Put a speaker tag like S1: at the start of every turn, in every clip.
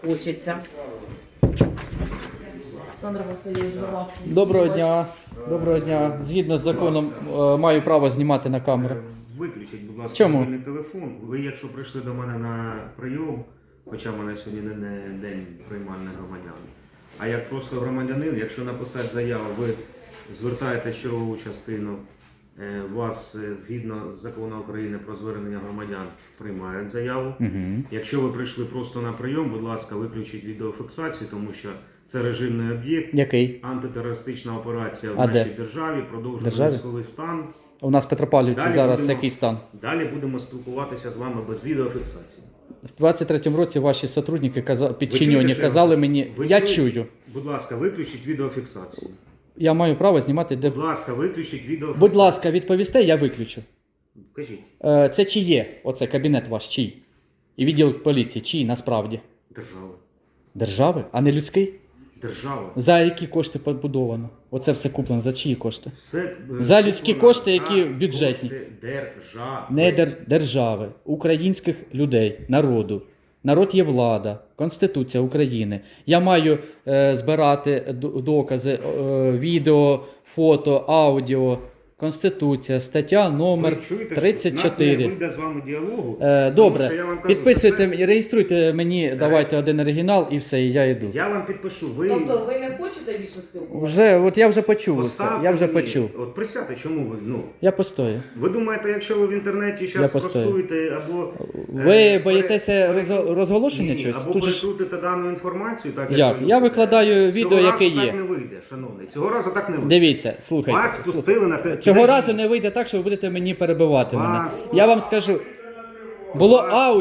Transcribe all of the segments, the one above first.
S1: хочеться. Олександр Васильович, до вас.
S2: Доброго дня. Доброго дня. Згідно з законом маю право знімати на камеру.
S3: Виключіть, будь ласка,
S2: Чому?
S3: мобільний телефон. Ви, якщо прийшли до мене на прийом, хоча в мене сьогодні не день приймальних громадян, а як просто громадянин, якщо написати заяву, ви звертаєтесь в чергову частину, вас згідно з закону України про звернення громадян приймають заяву.
S2: Угу.
S3: Якщо ви прийшли просто на прийом, будь ласка, виключіть відеофіксацію, тому що це режимний об'єкт,
S2: Який?
S3: антитерористична операція в
S2: А
S3: нашій
S2: де?
S3: державі, продовжує
S2: Державі?
S3: військовий стан.
S2: У нас в Петропавлівці
S3: Далі
S2: зараз
S3: будемо-
S2: який стан?
S3: Далі будемо спілкуватися з вами без відеофіксації.
S2: В 23-му році ваші сотрудники,
S3: Ви
S2: підчинені,
S3: чуєте, що
S2: казали
S3: я-
S2: мені,
S3: Ви
S2: я
S3: чуєте?
S2: чую,
S3: Будь ласка, виключіть відеофіксацію.
S2: я маю право знімати де.
S3: Будь ласка, виключіть відеофіксацію.
S2: Будь ласка, відповісте, я виключу.
S3: Кажіть.
S2: Це чиє? Оце кабінет ваш, чий? І відділ поліції, чий насправді?
S3: Держава.
S2: Держави, а не людський?
S3: Держава.
S2: За які кошти побудовано? Оце все куплено, за чиї кошти?
S3: Все,
S2: За людські
S3: куплено
S2: кошти, які
S3: за
S2: бюджетні.
S3: кошти держави.
S2: Не держави, українських людей, народу. Народ є влада, Конституція України. Я маю збирати докази, відео, фото, аудіо. Конституція, стаття номер
S3: Ви чуєте, що
S2: 34.
S3: в нас не вийде з вами діалогу.
S2: Добре,
S3: тому що я вам кажу,
S2: підписуйте,
S3: що
S2: реєструйте мені, давайте один оригінал і все, і я йду.
S3: Я вам підпишу. Ви
S1: Тобто ви не хочете більше спілкуватися?
S2: Я вже почув усе,
S3: поставте
S2: я вже
S3: мені-
S2: почув.
S3: От присядьте, чому ви?
S2: Я постою.
S3: Ви думаєте, якщо ви в інтернеті зараз
S2: постою.
S3: розкуєте або...
S2: Ви боїтеся розголошення
S3: Ні,
S2: чогось?
S3: або
S2: Тут же ж-
S3: перекрутите дану інформацію, так
S2: Як?
S3: ви
S2: Я
S3: любите.
S2: викладаю відео,
S3: Цього
S2: яке
S3: разу
S2: є.
S3: так не вийде, шановний. Цього разу так не вийде.
S2: Дивіться, слухайте.
S3: Вас пустили на те.
S2: Цього
S3: Підождіть.
S2: разу не вийде так, що ви будете мені перебивати мене.
S3: Вас-
S2: Я вам скажу. Було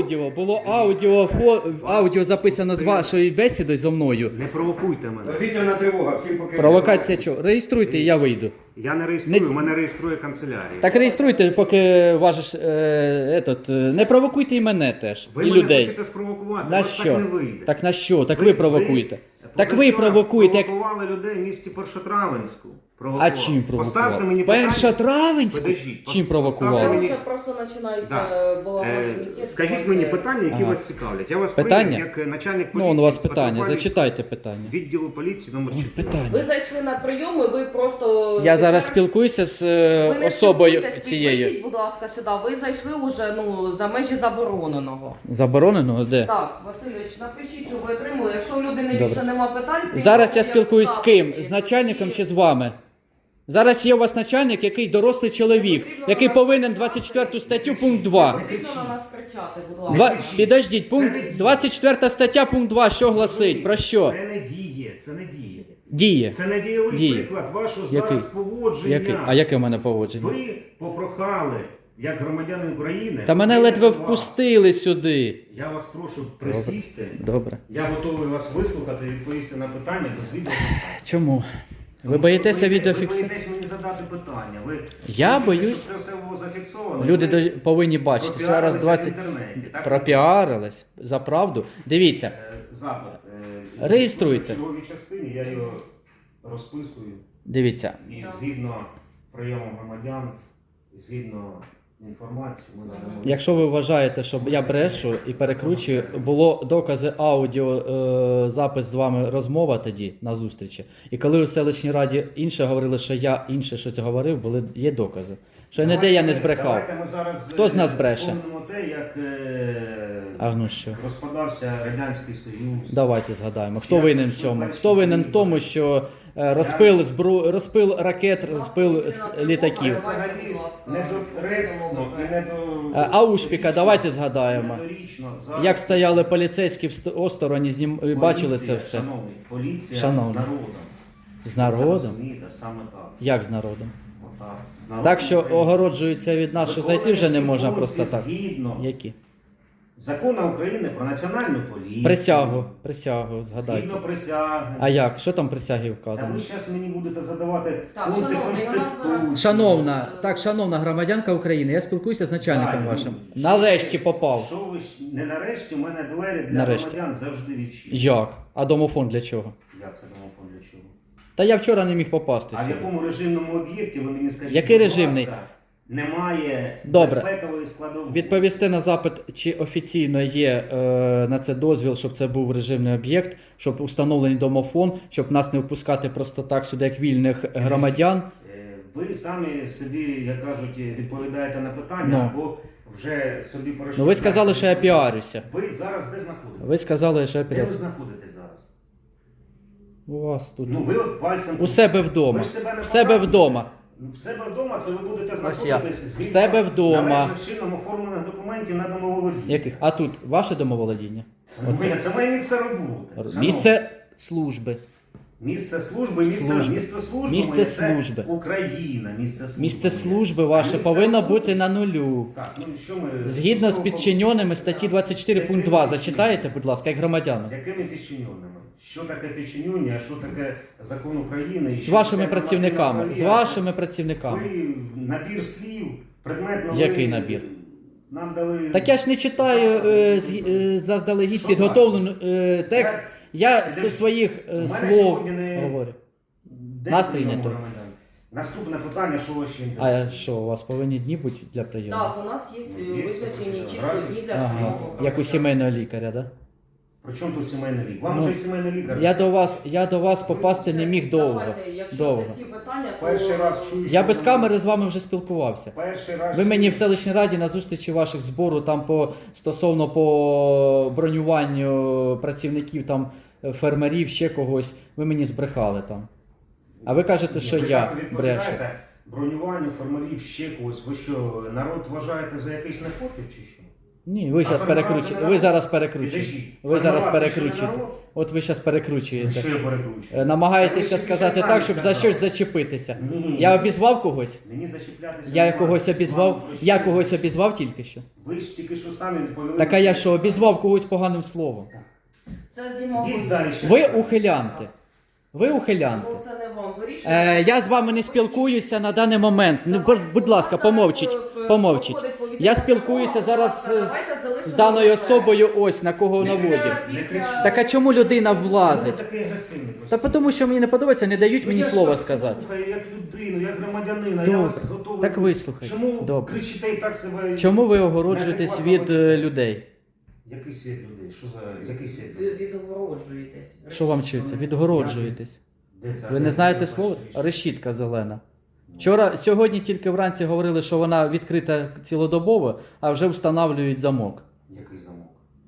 S2: аудіо записано з вашої бесіди зі мною.
S3: Не провокуйте мене.
S4: Повітряна тривога, всім поки.
S2: Провокація чого? Реєструйте, і я вийду.
S3: Я не реєструю,
S2: Не-
S3: мене реєструє канцелярія.
S2: Так реєструйте, поки важиш не провокуйте і мене теж,
S3: Ви
S2: і
S3: мене
S2: людей.
S3: хочете спровокувати,
S2: На
S3: у вас
S2: що?
S3: так не вийде.
S2: Так на що? Так ви провокуєте. Так ви
S3: позавчора
S2: провокуєте. Як...
S3: провокували людей в місті Першотравенську.
S2: А чим
S3: Поставте
S2: провокували?
S3: мені питання.
S2: Першотравенську?
S3: Подождіть,
S2: Чим провокували?
S3: поставте
S1: Тому
S3: мені-
S1: що просто починається
S3: Да.
S1: балаган і мітєць.
S3: Скажіть мені питання, які
S2: Ага.
S3: вас цікавлять. Я вас
S2: Питання?
S3: прийняв як начальник
S2: Ну,
S3: поліції.
S2: у вас питання,
S3: Петропавлівського
S2: зачитайте питання.
S3: Відділу поліції номер 4.
S2: Питання.
S1: Ви зайшли на прийом і ви просто...
S2: Я зараз
S1: тепер-
S2: спілкуюся з
S1: Ви не
S2: особою
S1: спілкуйтесь,
S2: цією.
S1: підійдіть, будь ласка, сюди. Ви зайшли уже за межі забороненого.
S2: Заборонено? Де?
S1: Так, Васильович, напишіть, що ви отримали. Якщо в людини
S2: Добре.
S1: більше нема питань...
S2: Зараз я
S1: то
S2: спілкуюсь з ким?
S1: запит.
S2: З начальником чи з вами? Зараз є у вас начальник, який дорослий чоловік, який повинен 24 статтю пункт 2.
S1: Потрібно на нас кричати, будь ласка.
S2: Підождіть, пункт 24 стаття пункт 2, що гласить? Про що?
S3: Це не діє, це не діє.
S2: Діє.
S3: Це не дієвий
S2: Діє.
S3: приклад вашого
S2: Який?
S3: зараз поводження.
S2: Який? А яке в мене поводження?
S3: Ви попрохали, як громадянин України.
S2: Та мене
S3: прийняти
S2: ледве
S3: вас.
S2: впустили сюди.
S3: Я вас прошу присісти.
S2: Добре.
S3: Я готовий вас вислухати і відповісти на питання без відеофіксації.
S2: Чому? Ви
S3: Тому
S2: боїтеся
S3: що Ви
S2: відеофіксації?
S3: боїтесь мені задати питання. Ви
S2: Я
S3: хочете,
S2: боюсь.
S3: щоб це все було зафіксовано.
S2: Люди
S3: Ви
S2: повинні бачити. Зараз
S3: пропіарилися
S2: 20...
S3: в інтернеті, так?
S2: Пропіарились. За правду. Дивіться.
S3: Запит.
S2: Реєструйте.
S3: В черговій частині я його розписую.
S2: Дивіться.
S3: І згідно прийому громадян, згідно інформації, ми надамо.
S2: Якщо ви вважаєте, що я брешу і перекручую, було докази аудіо, запис з вами розмова тоді на зустрічі. І коли ви в селищній раді інше говорили, що я інше щось говорив, є докази. Що ніде я не збрехав.
S3: Давайте ми зараз
S2: Хто з нас бреше?
S3: вспомнимо те, як
S2: А ну що?
S3: розпадався Радянський Союз.
S2: Давайте згадаємо. Хто винен в цьому? Хто винен в тому, що розпил ракет, розпил літаків?
S3: Це взагалі недоречно і
S2: Аушпіка, давайте згадаємо.
S3: недорічно. Зараз
S2: Як стояли поліцейські осторонь, бачили це
S3: поліція,
S2: все?
S3: Шановний, поліція
S2: Шановний.
S3: з народом.
S2: З
S3: Це
S2: народом?
S3: розумієте, саме так.
S2: Як з народом?
S3: Отак. З народом
S2: Так що
S3: України.
S2: огороджуються від нас, що зайти вже не можна
S3: Виконуються
S2: просто так.
S3: Згідно
S2: Які?
S3: Закону України про національну поліцію.
S2: Присягу, згадайте.
S3: Згідно присяги.
S2: А як? Що там в присягі
S3: Та
S2: вказано?
S3: ви зараз мені будете задавати
S1: Так,
S3: пункти
S1: шановний, у нас
S3: Конституції.
S1: зараз-
S2: Шановна громадянка України, я спілкуюся з начальником
S3: Так,
S2: вашим.
S3: ну,
S2: Нарешті попав.
S3: Що ви не нарешті, у мене двері для
S2: Нарешті.
S3: громадян завжди відчинені.
S2: Як? А домофон для чого?
S3: Як це домофон для чого?
S2: Та я вчора не міг попасти
S3: А в
S2: сюди.
S3: якому режимному об'єкті ви мені скажіть?
S2: Який
S3: будь
S2: режимний?
S3: ласка, немає
S2: Добре.
S3: безпекової складової.
S2: Відповісти на запит, чи офіційно є на це дозвіл, щоб це був режимний об'єкт, щоб установлений домофон, щоб нас не впускати просто так сюди, як вільних громадян.
S3: Ви самі собі, як кажуть, відповідаєте на питання, або вже собі перейшли.
S2: Ну ви сказали, що я піарюся.
S3: Ви зараз де знаходитесь?
S2: Ви сказали, що я
S3: Де ви
S2: піарюся.
S3: знаходитесь зараз?
S2: У вас тут.
S3: Ну ви от пальцем...
S2: У себе вдома.
S3: Ви ж себе не
S2: В себе
S3: показуєте.
S2: вдома.
S3: В себе вдома це ви будете
S2: Ось я.
S3: знаходитись
S2: В
S3: згідно
S2: себе вдома.
S3: належних чином оформлених документів на домоволодіння.
S2: Яких? А тут ваше домоволодіння?
S3: Це моє місце роботи. Шановні.
S2: Місце служби.
S3: Місце служби,
S2: Служби.
S3: місце служби,
S2: Місце
S3: моє,
S2: служби.
S3: це Україна, місце служби.
S2: Місце
S3: моє.
S2: служби ваше
S3: А місце
S2: повинно
S3: роботи-
S2: бути на нулю.
S3: Так, ну що ми...
S2: Згідно з підчиненими статті 24
S3: З
S2: пункт
S3: якими
S2: 2. Зачитаєте, будь ласка, як громадяни.
S3: З якими підчиненими? Що таке підчинення, що таке закон України? І
S2: З
S3: що
S2: вашими
S3: таке
S2: працівниками.
S3: нормативна
S2: З
S3: правові
S2: вашими працівниками.
S3: Ви набір слів, предметно...
S2: Який
S3: ви
S2: набір?
S3: Нам дали...
S2: Так я ж не читаю заздалегідь
S3: Що
S2: підготовлений текст. Я зі своїх
S3: У мене
S2: слов
S3: сьогодні не-
S2: говорю.
S3: Де
S2: Настрій
S3: прийом
S2: не той.
S3: громадян? Наступне питання, що ви ще
S2: А що, у вас повинні дні бути для прийому?
S1: Так, у нас є
S3: Є
S1: визначені чітко
S3: графік.
S1: дні для
S2: Ага.
S1: прийому
S2: Як у
S1: громадян.
S2: сімейного лікаря, так? Да?
S3: При чому тут сімейний лікар? Вам
S2: Ну,
S3: вже й сімейний лікар.
S2: Я до вас попасти не міг довго.
S1: Давайте, якщо
S2: Довго.
S1: це всі питання, то...
S3: Перший раз чую, що
S2: Я без
S3: ви-
S2: камери з вами вже спілкувався.
S3: Перший раз
S2: Ви мені
S3: чую.
S2: в селищній раді на зустрічі ваших збору там стосовно по бронюванню працівників там фермерів, ще когось, ви мені збрехали там. А ви кажете, що
S3: Ви
S2: я
S3: так відповідаєте,
S2: брешу.
S3: Бронюванню фермерів, ще когось. Ви що, народ вважаєте за якийсь непотріб чи що?
S2: Ні, ви зараз
S3: фермера це
S2: перекручуєте.
S3: не
S2: Ви
S3: народ?
S2: зараз перекручуєте.
S3: Підождіть.
S2: Ви зараз
S3: Фермера це що, не
S2: перекручуєте.
S3: народ?
S2: От ви зараз перекручуєте.
S3: Що я перекручую?
S2: Намагаєтеся
S3: Та ви
S2: сказати
S3: тільки
S2: так,
S3: самі
S2: щоб за
S3: сказали.
S2: щось зачепитися.
S3: Ні.
S2: Я обізвав когось?
S3: Мені зачіплятися
S2: Я
S3: немає.
S2: когось
S3: З вами
S2: обізвав?
S3: про
S2: Я
S3: що?
S2: когось обізвав тільки що?
S3: Ви ж тільки що самі відповіли.
S2: Так а я що, обізвав когось поганим словом?
S1: Це Діма.
S3: Є далі ще.
S2: Ви ухилянти. Ви ухилянти.
S1: Ну, це не вам вирішує.
S2: Я з вами не спілкуюся на даний момент. Ну, будь ласка, помовчіть. Помовчіть. Я спілкуюся зараз з даною особою, ось на кого наводю. Так а чому людина
S3: Ви
S2: влазить?
S3: такий агресивний просто.
S2: Та тому, що мені не подобається, не дають мені
S3: Я ж
S2: слова
S3: вас
S2: сказати.
S3: слухаю як людину, як громадянина.
S2: Добре.
S3: Я вас готовий.
S2: Так вислухайте.
S3: Чому
S2: Добре.
S3: кричите і так себе?
S2: Чому ви огороджуєтесь від людей?
S3: Який світ людей? Що за який світ?
S1: Ви відгороджуєтесь.
S2: Що вам чується? Відгороджуєтесь.
S3: Де це?
S2: Ви не знаєте слово? Решітка зелена. Сьогодні тільки вранці говорили, що вона відкрита цілодобово, а вже встановлюють замок.
S3: Який замок?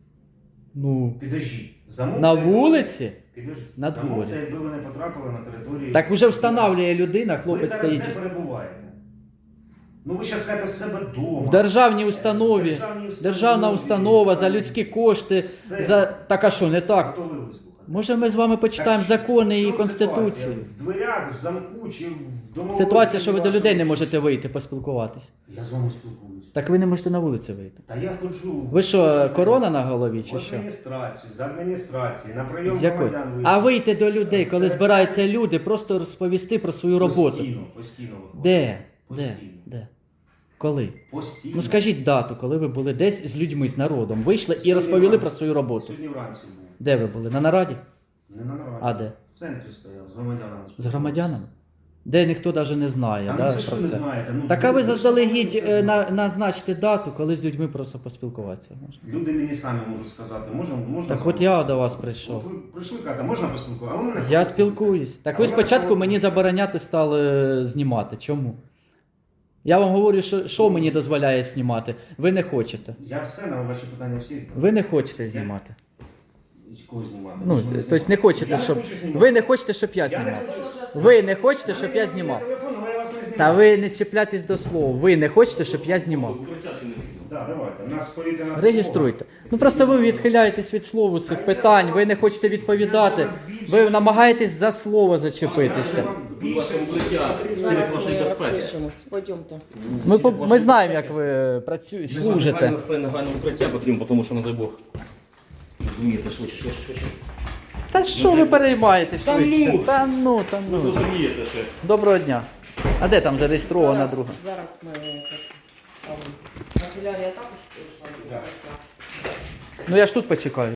S2: Ну,
S3: Підождіть. Замок
S2: на
S3: це якби-
S2: вулиці?
S3: Підождіть.
S2: На
S3: Замок
S2: дворі.
S3: це якби ви не потрапили на територію.
S2: Так вже встановлює людина,
S3: Ви
S2: хлопець
S3: зараз
S2: стоїть.
S3: де перебуваєте? Ну ви зараз кажете в себе вдома.
S2: В державній установі. Державна установа за людські кошти.
S3: Все.
S2: Так а що, не так?
S3: Готові вислухати.
S2: Може ми з вами почитаємо
S3: Так,
S2: закони
S3: в
S2: і
S3: чому
S2: конституцію?
S3: ситуація? В дверях, в замку чи в домовому...
S2: Ситуація, що ви до людей не можете вийти поспілкуватись.
S3: Я з вами спілкуюся.
S2: Так ви не можете на вулицю вийти.
S3: Та я ходжу.
S2: Ви що, корона на голові
S3: В
S2: чи що?
S3: адміністрацію, з адміністрації, на прийом
S2: З якої?
S3: громадян вийти.
S2: А вийти до людей, коли збираються люди, просто розповісти про свою роботу.
S3: Постійно виходить.
S2: Де? Де?
S3: Постійно.
S2: Де? Коли?
S3: Постійно.
S2: Ну скажіть дату, коли ви були десь з людьми, з народом, вийшли і розповіли про свою роботу.
S3: Сьогодні вранці був.
S2: Де ви були? На нараді?
S3: Не на нараді.
S2: А де?
S3: В центрі стояв, з громадянами.
S2: З громадянами? Де ніхто навіть не знає,
S3: Та
S2: да,
S3: ну це ж
S2: про
S3: ви не
S2: це.
S3: знаєте. Ну,
S2: Так а ви
S3: ж
S2: заздалегідь
S3: самі це знаєте.
S2: назначте дату, коли з людьми просто поспілкуватися можна.
S3: Люди мені самі можуть сказати, можна
S2: Так
S3: з
S2: от
S3: вами?
S2: я до вас
S3: От
S2: прийшов.
S3: ви прийшли, кажете, можна поспілкуватися? А ви мене
S2: Я
S3: хочете.
S2: спілкуюсь. Так
S3: А
S2: ви
S3: ви мене
S2: спочатку
S3: хочете.
S2: мені забороняти стали знімати. Чому? Я вам говорю, що мені дозволяє знімати. Ви не хочете.
S3: Я все на ваші питання всі.
S2: Ви не хочете знімати.
S3: Кого знімати?
S2: Ну,
S3: Ви ж мене
S2: тобто не
S3: знімати.
S2: хочете,
S3: Я не
S2: щоб.
S3: хочу знімати.
S2: Ви не хочете, щоб я
S3: Я не
S2: знімав.
S3: хочу.
S2: Ви не хочете, щоб я знімав.
S3: Телефон, але я вас не знімаю.
S2: Та ви не чіпляйтесь до слова. Ви не хочете, щоб я знімав.
S3: Так, давайте. У нас повітряна
S2: Реєструйте. Ну просто ви відхиляєтесь від слова з цих питань, ви не хочете відповідати. Ви намагаєтесь за слово зачепитися.
S1: Зараз ми розпишемось. Пойдемте.
S2: Ми знаємо, як ви працюєте, служите.
S4: Це негайне укриття потрібно, тому що, не дай Бог, розумієте, швидше.
S2: Та що ви переймаєтесь
S4: Та
S2: швидше?
S4: ну!
S2: Та ну, та
S4: Ви
S2: ну.
S4: зрозумієте ще.
S2: Доброго дня. А де там зареєстрована друга?
S1: Зараз ми... Канцелярія також прийшла.
S3: Да.
S2: Ну я ж тут почекаю.